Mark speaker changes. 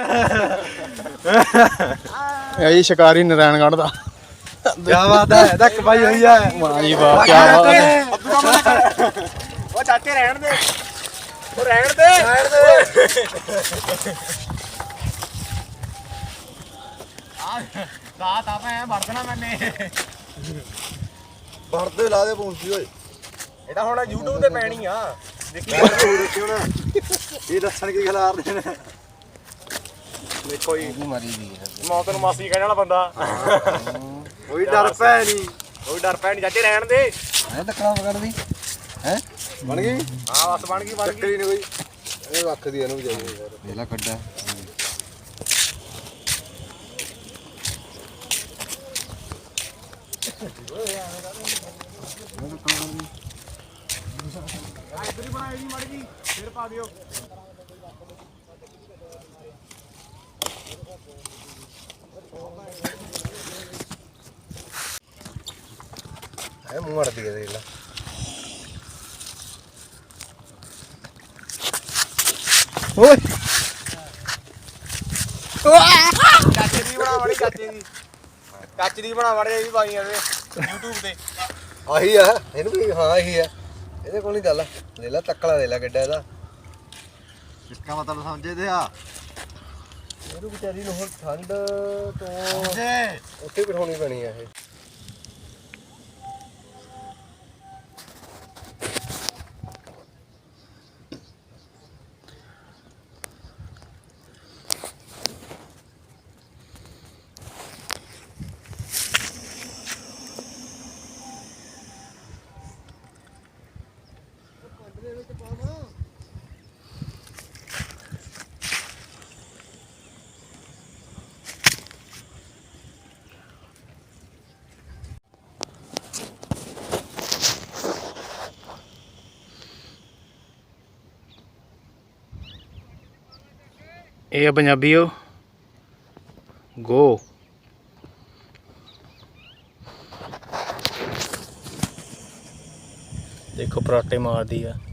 Speaker 1: ਇਹ ਜੀ ਸ਼ਿਕਾਰੀ ਨਾਰਾਇਣਗੜ੍ਹ ਦਾ।
Speaker 2: ਕਿਆ ਬਾਤ ਹੈ, ਇਹਦਾ ਕਮਾਈ ਹੋਈ ਹੈ।
Speaker 1: ਵਾਹ ਜੀ ਵਾਹ, ਕੀ ਬਾਤ ਹੈ।
Speaker 2: ਉਹ ਚਾਚੇ ਰਹਿਣ ਦੇ, ਉਹ ਰਹਿਣ ਦੇ, ਰਹਿਣ ਦੇ। ਰਾਤ ਆਪਾਂ ਵਰਤਣਾ ਮੈਨੇ ਵਰਦੇ ਲਾ ਦੇ ਪੂੰਛੀ ਓਏ। ਇਹ ਤਾਂ ਹੁਣ YouTube ਤੇ ਪੈਣੀ ਆ, ਦੇਖੀ ਹੁਣ ਇਹ ਦੱਸਣ ਕੀ ਖਿਲਾਰਦੇ ਨੇ। ਦੇਖੋ ਜੀ
Speaker 1: ਮਰੀ ਦੀ
Speaker 2: ਮੌਤ ਨੂੰ ਮਾਸੀ ਕਹਿਣ ਵਾਲਾ ਬੰਦਾ। ਕੋਈ ਡਰ ਪੈ ਨਹੀਂ, ਕੋਈ ਡਰ ਪੈ ਨਹੀਂ ਚਾਚੇ ਰਹਿਣ ਦੇ।
Speaker 1: ਹੈ ਤੱਕਣਾ ਪਕੜਦੀ ਹੈ
Speaker 2: ਬਣ ਗਈ। ਹਾਂ ਬਸ ਬਣ ਗਈ, ਬਣ ਗਈ ਨਹੀਂ ਕੋਈ। ਇਹ ਰੱਖ ਦੀ ਇਹਨੂੰ ਵੀ ਜਾਈਏ
Speaker 1: ਇਹਲਾ ਕੱਢਾ।
Speaker 2: ਇੱਧਰ ਹੀ ਬਣਾਈ ਜੀ ਮੜ ਗਈ, ਫਿਰ ਪਾ ਦਿਓ। ਇਹ ਮੂੰਹ ਅੜਦੀ ਹੈ ਦੇਖ ਲੈ।
Speaker 1: ਓਏ
Speaker 2: ਚਾਚੇ ਦੀ ਬਣਾ ਵੜੀ, ਚਾਚੇ ਦੀ, ਚਾਚੇ ਦੀ ਬਣਾ ਵੜੀ। ਇਹ ਵੀ ਪਾਈਆਂ ਤੇ YouTube ਤੇ। ਆਹੀ ਆ ਇਹਨੂੰ ਵੀ, ਹਾਂ ਇਹੀ ਆ। ਇਹਦੇ ਕੋਲ ਨਹੀਂ ਗੱਲ। ਲੈ ਲੈ ਤੱਕਲਾ, ਲੈ ਲੈ ਗੱਡਾ ਇਹਦਾ। ਇਸਕਾ ਮਤਲਬ ਸਮਝਦੇ ਆ। ਇਹਨੂੰ ਵਿਚਾਰੀ ਨੂੰ ਹੁਣ ਠੰਡ ਤੋਂ ਉੱਥੇ ਬਿਠਾਉਣੀ ਪੈਣੀ ਆ ਇਹ।
Speaker 1: ਇਹ ਆ ਪੰਜਾਬੀਓ ਗੋ। ਦੇਖੋ ਪਰਾਟੇ ਮਾਰਦੀ ਆ।